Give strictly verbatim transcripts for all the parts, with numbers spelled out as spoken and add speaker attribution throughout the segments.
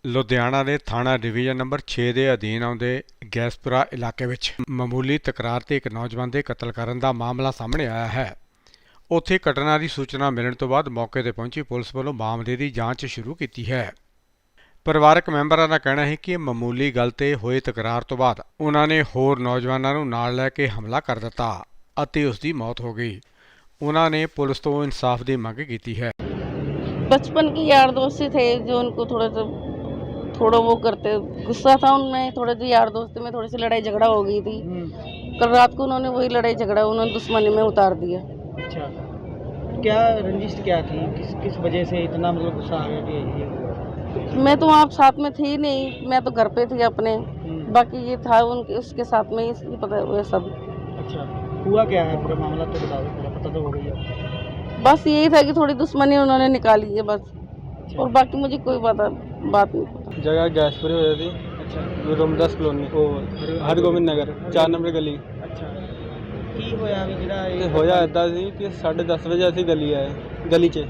Speaker 1: ਲੁਧਿਆਣਾ ਦੇ ਥਾਣਾ division number ਛੇ ਦੇ ਅਧੀਨ ਆਉਂਦੇ ਗੈਸਪੁਰਾ ਇਲਾਕੇ ਵਿੱਚ ਮਾਮੂਲੀ ਤਕਰਾਰ ਤੇ ਇੱਕ ਨੌਜਵਾਨ ਦੇ ਕਤਲ ਕਰਨ ਦਾ ਮਾਮਲਾ ਸਾਹਮਣੇ ਆਇਆ ਹੈ। ਉੱਥੇ ਘਟਨਾ ਦੀ ਸੂਚਨਾ ਮਿਲਣ ਤੋਂ ਬਾਅਦ ਮੌਕੇ ਤੇ ਪਹੁੰਚੀ ਪੁਲਿਸ ਵੱਲੋਂ ਮਾਮਲੇ ਦੀ ਜਾਂਚ ਸ਼ੁਰੂ ਕੀਤੀ ਹੈ। ਪਰਿਵਾਰਕ ਮੈਂਬਰਾਂ ਦਾ ਕਹਿਣਾ ਹੈ ਕਿ ਮਾਮੂਲੀ ਗੱਲ ਤੇ ਹੋਏ ਤਕਰਾਰ ਤੋਂ ਬਾਅਦ ਉਹਨਾਂ ਨੇ ਹੋਰ ਨੌਜਵਾਨਾਂ ਨੂੰ ਨਾਲ ਲੈ ਕੇ ਹਮਲਾ ਕਰ ਦਿੱਤਾ ਅਤੇ ਉਸ ਦੀ ਮੌਤ ਹੋ ਗਈ। ਉਹਨਾਂ ਨੇ ਪੁਲਿਸ ਤੋਂ ਇਨਸਾਫ ਦੀ ਮੰਗ ਕੀਤੀ है।
Speaker 2: बचपन की यार दोस्ती थे जो उनको थोड़ा सा थोड़ा वो करते गुस्सा था उनमें, थोड़े से यार दोस्ती में थोड़ी सी लड़ाई झगड़ा हो गई थी। कल रात को उन्होंने वही लड़ाई झगड़ा उन्होंने दुश्मनी में उतार दिया।
Speaker 3: अच्छा, क्या रंजिश क्या थी, किस किस वजह से इतना मतलब गुस्सा आ गया कि ये?
Speaker 2: मैं तो वहाँ साथ में थी नहीं, मैं तो घर पे थी अपने, बाकी ये था उनके उसके साथ में ही पता हुआ सब।
Speaker 3: अच्छा, हुआ क्या है पूरा मामला तो बता दो, पूरा पता तो हो गई है।
Speaker 2: बस यही था कि थोड़ी दुश्मनी उन्होंने निकाली है बस, और बाकी मुझे कोई पता बात नहीं पता।
Speaker 4: जगह गैसपुरी हो थी।
Speaker 3: अच्छा,
Speaker 4: रोमदास कॉलोनी ओ हरगोबिंद नगर चार नंबर गली।
Speaker 3: अच्छा, की होया भी ਜਿਹੜਾ
Speaker 4: ਇਹ ਹੋਇਆ ਇੱਦਾਂ ਸੀ ਕਿ ਸਾਢੇ ਦਸ ਵਜੇ ਅਸੀਂ ਗਲੀ ਆਏ ਗਲੀ 'ਚ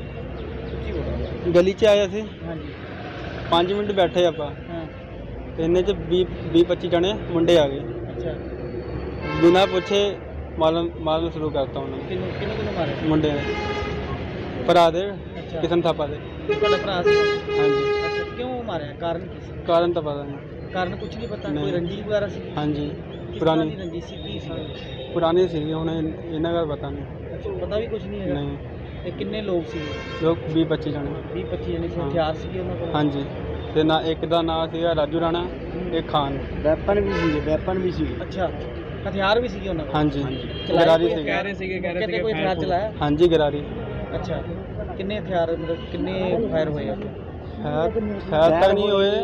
Speaker 4: ਗਲੀ 'ਚ ਆਏ ਅਸੀਂ
Speaker 3: ਹਾਂਜੀ
Speaker 4: ਪੰਜ ਮਿੰਟ ਬੈਠੇ ਆਪਾਂ
Speaker 3: ਹਾਂ
Speaker 4: ਤੇ ਇੰਨੇ 'ਚ ਵੀਹ ਵੀਹ ਪੱਚੀ ਜਣੇ ਮੁੰਡੇ ਆ ਗਏ
Speaker 3: ਅੱਛਾ
Speaker 4: ਬਿਨਾਂ ਪੁੱਛੇ ਮਾਰਨ ਮਾਰਨ ਸ਼ੁਰੂ ਕਰਤਾ ਉਹਨਾਂ ਨੇ
Speaker 3: ਕਿੰਨੇ ਕਿੰਨੇ ਕਿੰਨੇ ਮਾਰੇ
Speaker 4: ਮੁੰਡੇ ਨੇ ਭਰਾ ਦੇ
Speaker 3: ਅੱਛਾ
Speaker 4: ਕਿਸਨ ਥਾਪਾ ਦੇ
Speaker 3: ਤੁਹਾਡਾ ਭਰਾ ਸੀ
Speaker 4: ਹਾਂਜੀ
Speaker 3: ਅੱਛਾ ਕਿਉਂ ਮਾਰਿਆ ਕਾਰਨ ਕੀ ਸੀ
Speaker 4: ਕਾਰਨ ਤਾਂ ਪਤਾ ਨਹੀਂ
Speaker 3: ਕਾਰਨ ਕੁਝ ਨਹੀਂ ਪਤਾ
Speaker 4: ਨਹੀਂ।
Speaker 3: ਕੋਈ ਰੰਜਿਸ਼ ਵਗੈਰਾ ਸੀ
Speaker 4: ਹਾਂਜੀ
Speaker 3: ਕਿਸ ਤਰ੍ਹਾਂ
Speaker 4: ਪੁਰਾਣੀ
Speaker 3: ਦੀ ਰੰਜਿਸ਼ ਸੀ ਕੀ ਸੀ
Speaker 4: ਪੁਰਾਣੀ ਸੀਗੀ ਹੁਣ ਇਹ- ਇਹਨਾਂ ਦਾ ਪਤਾ ਨਹੀਂ
Speaker 3: ਅੱਛਾ ਪਤਾ ਵੀ ਕੁਝ ਨਹੀਂ ਹੈਗਾ
Speaker 4: ਨਹੀਂ
Speaker 3: ਤੇ ਕਿੰਨੇ ਲੋਕ ਸੀ
Speaker 4: ਲੋਕ ਵੀਹ ਪੱਚੀ ਜਣੇ
Speaker 3: ਵੀਹ ਪੱਚੀ ਜਣੇ ਸੀ
Speaker 4: ਹਾਂ।
Speaker 3: ਹਥਿਆਰ ਸੀ ਉਹਨਾਂ ਕੋਲ
Speaker 4: ਹਾਂਜੀ ਤੇ ਨਾ ਇੱਕ ਦਾ ਨਾਂ ਸੀਗਾ ਰਾਜੂ ਰਾਣਾ ਇੱਕ ਖਾਨ
Speaker 3: ਵੈਪਨ ਵੀ ਸੀ ਵੈਪਨ ਵੀ ਸੀ ਅੱਛਾ ਹਥਿਆਰ ਵੀ ਸੀਗੇ ਉਹਨਾਂ ਕੋਲ
Speaker 4: ਹਾਂਜੀ
Speaker 3: ਚਲਾਏ
Speaker 4: ਗਰਾਰੀ
Speaker 3: ਕੋਈ-
Speaker 4: ਸੀਗੇ
Speaker 3: ਕਹਿ ਰਹੇ ਸੀਗੇ ਕਹਿ ਰਹੇ ਸੀਗੇ ਕੋਈ ਹਥਿਆਰ ਚਲਾਇਆ
Speaker 4: ਹਾਂਜੀ ਗਰਾਰੀ
Speaker 3: ਅੱਛਾ ਕਿੰਨੇ ਹਥਿਆਰ ਮਤਲਬ ਕਿੰਨੇ ਫਾਇਰ ਹੋਏ ਆ
Speaker 4: ਹੈ ਸ਼ਾਇਦ ਤਾਂ ਨਹੀਂ ਹੋਏ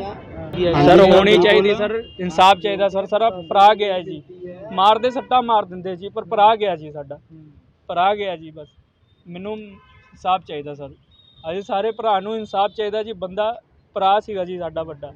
Speaker 5: ਸਰ ਹੋਣੀ ਚਾਹੀਦੀ ਸਰ ਇਨਸਾਫ ਚਾਹੀਦਾ ਸਰ ਸਾਰਾ ਭਰਾ ਗਿਆ ਜੀ ਮਾਰਦੇ ਸੱਟਾ ਮਾਰ ਦਿੰਦੇ ਜੀ ਪਰ ਭਰਾ ਗਿਆ ਜੀ ਸਾਡਾ ਭਰਾ ਗਿਆ ਜੀ ਬਸ ਮੈਨੂੰ ਇਨਸਾਫ ਚਾਹੀਦਾ ਸਰ ਅਸੀਂ ਸਾਰੇ ਭਰਾ ਨੂੰ ਇਨਸਾਫ ਚਾਹੀਦਾ ਜੀ ਬੰਦਾ ਭਰਾ ਸੀਗਾ ਜੀ ਸਾਡਾ ਵੱਡਾ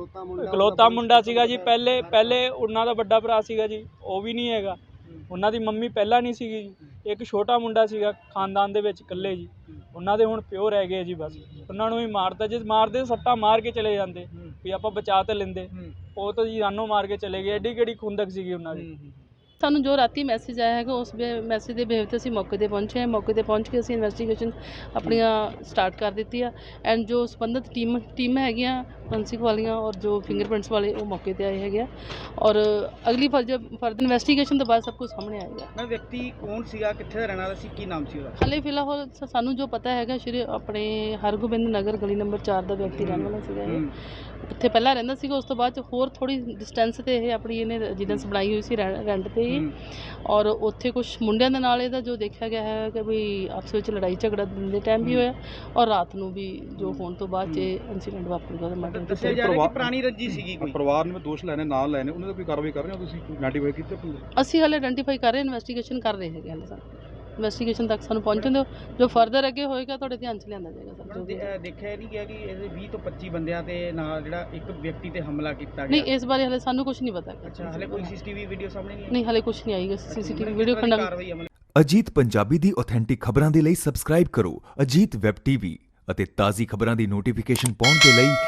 Speaker 5: ਇਕਲੌਤਾ ਮੁੰਡਾ ਸੀਗਾ ਜੀ ਪਹਿਲੇ ਪਹਿਲੇ ਉਹਨਾਂ ਦਾ ਵੱਡਾ ਭਰਾ ਸੀਗਾ ਜੀ ਉਹ ਵੀ ਨਹੀਂ ਹੈਗਾ ਉਹਨਾਂ ਦੀ ਮੰਮੀ ਪਹਿਲਾਂ ਨਹੀਂ ਸੀਗੀ ਜੀ ਇੱਕ ਛੋਟਾ ਮੁੰਡਾ ਸੀਗਾ ਖਾਨਦਾਨ ਦੇ ਵਿੱਚ ਇਕੱਲੇ ਜੀ ਉਹਨਾਂ ਦੇ ਹੁਣ ਪਿਓ ਰਹਿ ਗਏ ਜੀ ਬਸ ਉਹਨਾਂ ਨੂੰ ਵੀ ਮਾਰਤਾ ਜੇ ਮਾਰਦੇ ਸੱਟਾ ਮਾਰ ਕੇ ਚਲੇ ਜਾਂਦੇ ਵੀ ਆਪਾਂ ਬਚਾ ਤੇ ਲੈਂਦੇ ਉਹ ਤਾਂ ਜੀ ਜਾਨੋਂ ਮਾਰ ਕੇ ਚਲੇ ਗਏ ਐਡੀ ਕਿਹੜੀ ਖੁੰਦਕ ਸੀਗੀ ਉਹਨਾਂ ਦੀ
Speaker 2: ਸਾਨੂੰ ਜੋ ਰਾਤੀ ਮੈਸੇਜ ਆਇਆ ਹੈਗਾ ਉਸ ਮੈਸੇਜ ਦੇ ਬੇਸ 'ਤੇ ਅਸੀਂ ਮੌਕੇ 'ਤੇ ਪਹੁੰਚੇ ਹਾਂ ਮੌਕੇ 'ਤੇ ਪਹੁੰਚ ਕੇ ਅਸੀਂ ਇਨਵੈਸਟੀਗੇਸ਼ਨ ਆਪਣੀਆਂ ਸਟਾਰਟ ਕਰ ਦਿੱਤੀ ਆ ਐਂਡ ਜੋ ਸੰਬੰਧਿਤ ਟੀਮ ਟੀਮ ਹੈਗੀਆਂ ਫੋਰੈਂਸਿਕ ਵਾਲੀਆਂ ਔਰ ਜੋ ਫਿੰਗਰਪ੍ਰਿੰਟਸ ਵਾਲੇ ਉਹ ਮੌਕੇ 'ਤੇ ਆਏ ਹੈਗੇ ਆ ਔਰ ਅਗਲੀ ਫਰਦਰ ਫਰਦਰ ਇਨਵੈਸਟੀਗੇਸ਼ਨ ਤੋਂ ਬਾਅਦ ਸਭ ਕੁਝ ਸਾਹਮਣੇ ਆਏਗਾ।
Speaker 3: ਮੈਂ ਵਿਅਕਤੀ ਕੌਣ ਸੀਗਾ ਕਿੱਥੇ ਦਾ ਰਹਿਣ ਵਾਲਾ ਸੀ ਕੀ ਨਾਮ ਸੀ ਉਹਦਾ
Speaker 2: ਹਾਲੇ ਫਿਲਹਾਲ ਸ- ਸਾਨੂੰ ਜੋ ਪਤਾ ਹੈਗਾ ਸ਼੍ਰੀ ਆਪਣੇ ਹਰਗੋਬਿੰਦ ਨਗਰ ਗਲੀ ਨੰਬਰ ਚਾਰ ਦਾ ਵਿਅਕਤੀ ਰਹਿਣ ਵਾਲਾ ਸੀਗਾ ਇਹ ਇੱਥੇ ਪਹਿਲਾਂ ਰਹਿੰਦਾ ਸੀਗਾ ਉਸ ਤੋਂ ਬਾਅਦ 'ਚ ਹੋਰ ਥੋੜ੍ਹੀ ਡਿਸਟੈਂਸ 'ਤੇ ਇਹ ਆਪਣੀ ਇਹਨੇ ਰੈਜ਼ੀਡੈਂਸ ਬਣਾਈ ਹੋਈ ਸੀ ਰੈ- ਰੈਂਟ 'ਤੇ ਹੀ ਔਰ ਉੱਥੇ ਕੁਝ ਮੁੰਡਿਆਂ ਦੇ ਨਾਲ ਇਹਦਾ ਜੋ ਦੇਖਿਆ ਗਿਆ ਹੈ ਕਿ ਵੀ ਆਪਸ ਵਿੱਚ ਲੜਾਈ ਝਗੜਾ ਦਿਨ ਦੇ ਟਾਈਮ ਵੀ ਹੋਇਆ ਔਰ ਰਾਤ ਨੂੰ ਵੀ ਜੋ ਹੋਣ ਤੋਂ ਬਾਅਦ 'ਚ ਇਨਸੀਡੈਂਟ ਵਾਪਰੂਗਾ ਉਹਦਾ ਮਰਡਰ
Speaker 3: ਦੱਸਿਆ ਜਾ ਰਿਹਾ ਕਿ ਪੁਰਾਣੀ ਰੰਜੀ ਸੀਗੀ ਕੋਈ
Speaker 6: ਪਰਿਵਾਰ ਨੇ ਦੋਸ਼ ਲੈਣੇ ਨਾਲ ਲੈਣੇ ਉਹਨਾਂ ਦਾ ਕੋਈ ਕਾਰਵਾਈ ਕਰ ਰਹੇ ਹੋ ਤੁਸੀਂ ਆਈਡੈਂਟੀਫਾਈ ਕੀਤੇ ਬੰਦੇ?
Speaker 2: ਅਸੀਂ ਹਾਲੇ ਆਇਡੈਂਟੀਫਾਈ ਕਰ ਰਹੇ ਇਨਵੈਸਟੀਗੇਸ਼ਨ ਕਰ ਰਹੇ ਹੈਗੇ ਹਾਲੇ ਸਾਨੂੰ ਇਨਵੈਸਟੀਗੇਸ਼ਨ ਤੱਕ ਸਾਨੂੰ ਪਹੁੰਚਣ ਦਿਓ ਜੋ ਫਰਦਰ ਅੱਗੇ ਹੋਏਗਾ ਤੁਹਾਡੇ ਧਿਆਨ 'ਚ ਲਿਆਂਦਾ ਜਾਏਗਾ ਸਰ ਜੋ ਵੀ
Speaker 3: ਦੇ- ਦੇਖਿਆ ਨਹੀਂ ਗਿਆ ਕਿ ਇਹਦੇ ਵੀਹ ਤੋਂ ਪੱਚੀ ਬੰਦਿਆਂ ਤੇ ਨਾਲ ਜਿਹੜਾ ਇੱਕ ਵਿਅਕਤੀ ਤੇ ਹਮਲਾ ਕੀਤਾ
Speaker 2: ਨਹੀਂ
Speaker 3: ਗਿਆ
Speaker 2: ਇਸ ਬਾਰੇ ਹਾਲੇ ਸਾਨੂੰ ਕੁਝ ਨਹੀਂ ਪਤਾ ਹੈਗਾ।
Speaker 3: ਅੱਛਾ ਹਲੇ ਕੋਈ ਸੀਸੀਟੀਵੀ ਵੀਡੀਓ ਸਾਹਮਣੇ ਨਹੀਂ ਆਈ?
Speaker 2: ਨਹੀਂ ਹਾਲੇ ਕੁਝ ਨਹੀਂ ਆਏਗਾ ਸੀਸੀਟੀਵੀ
Speaker 3: ਕਿਸ
Speaker 2: ਵੀਡੀਓ
Speaker 3: ਤਰ੍ਹਾਂ ਦੀ
Speaker 2: ਖੰਡਾ
Speaker 3: ਕਾਰਵਾਈ ਅਮਲ
Speaker 7: ਅਜੀਤ ਪੰਜਾਬੀ ਦੀ ਆਥੈਂਟਿਕ ਖਬਰਾਂ ਦੇ ਲਈ ਸਬਸਕ੍ਰਾਈਬ ਕਰੋ ਅਜੀਤ ਵੈਬ ਟੀਵੀ ਅਤੇ ਤਾਜ਼ੀ ਖਬਰਾਂ ਦੀ ਨੋਟੀਫਿਕੇਸ਼ਨ ਪਾਉਣ ਦੇ ਲਈ